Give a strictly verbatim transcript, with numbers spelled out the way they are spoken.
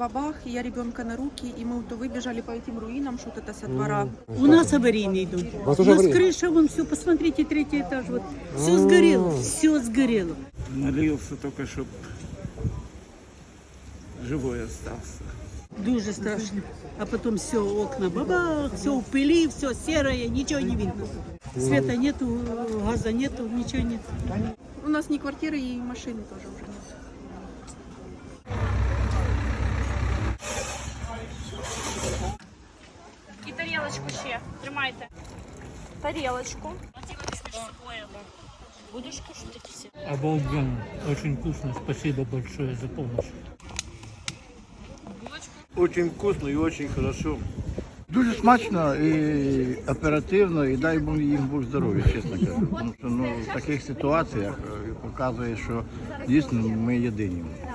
бабах, и я ребенка на руки, и мы то выбежали по этим руинам, что-то это со двора. У нас аварийные идут. У вас У уже нас аварийные? крыша, вон все, посмотрите, третий этаж, вот. Все сгорело, все сгорело. Молился только, чтобы живой остался. Дуже страшно. А потом все, окна, бабах, все в пыли, все серое, ничего не видно. Света нету, газа нету, ничего нет. У нас ни квартиры, и машины тоже уже нет. І тарілочку ще. Тримайте. Тарілочку. Будешь кушать эти все? Обалденно. Очень вкусно. Спасибо большое за помощь. Очень вкусно і дуже хорошо. Дуже смачно і оперативно, і дай Бог їм Бог здоров'я, чесно кажу. Тому що ну, в таких ситуаціях е, показує, що дійсно ми єдині.